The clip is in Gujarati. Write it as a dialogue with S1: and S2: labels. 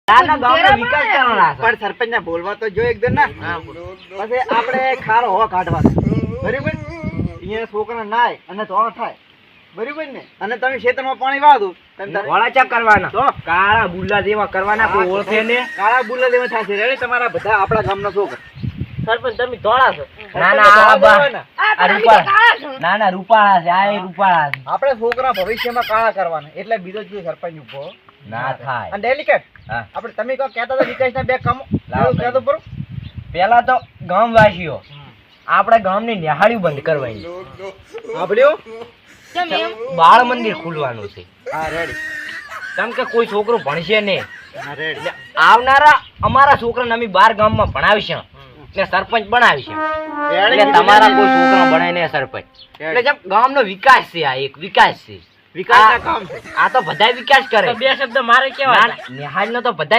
S1: તાના ગામનો વિકાસ કરવાનો છે.
S2: પણ સરપંચ ને બોલવા તો જો એકદમ ના. પછી આપણે ખારો હો કાઢવાનો બરાબર. અહીંયા છોકરા નાય અને ધોળા થાય બરાબર ને. અને તમે ખેતરમાં પાણી વાળો તમે
S1: વળા ચા કરવાના
S2: તો
S1: કાળા બુલ્લા જેવા કરવાના કોઈ ઓળખે ને.
S2: કાળા બુલ્લા જેવા થશે રેડી તમારા બધા આપણા ગામના છોકરા.
S3: સરપંચ તમે ધોળા છો.
S1: ના ના આ બા આ રૂપાળા ના ના રૂપાળા છે આ એ રૂપાળા છે.
S2: આપણે છોકરા ભવિષ્યમાં કાળા કરવાના એટલે બીજો જ સરપંચ ઉભો
S1: ના થાય.
S2: અને ડેલિકેટ
S1: હા.
S2: આપણે તમે કહો કહેતા હતા વિકાસના બે કામો
S1: લાવો
S2: એવું કહેતો બરો.
S1: પેલા તો ગામવાસીઓ આપણે ગામની નિહાળ્યું બંધ કરવાની.
S2: સાંભળ્યો?
S3: કેમ એમ?
S1: બાળ મંદિર ખુલવાનું છે.
S2: હા રેડી.
S1: કેમ કે કોઈ છોકરો ભણશે નહીં.
S2: હા રેડી.
S1: એટલે આવનારા અમારા છોકરાને અમે બાર ગામમાં ભણાવીશું ને સરપંચ બનાવીશું. એટલે તમારા કોઈ છોકરા ભણાય ને સરપંચ. એટલે જેમ ગામનો વિકાસ છે આ એક વિકાસ છે.
S2: વિકાસના કામ છે.
S1: આ તો બધાય વિકાસ કરે.
S3: તો બે શબ્દ મારે કેવા
S1: નિહાળનો તો બધાય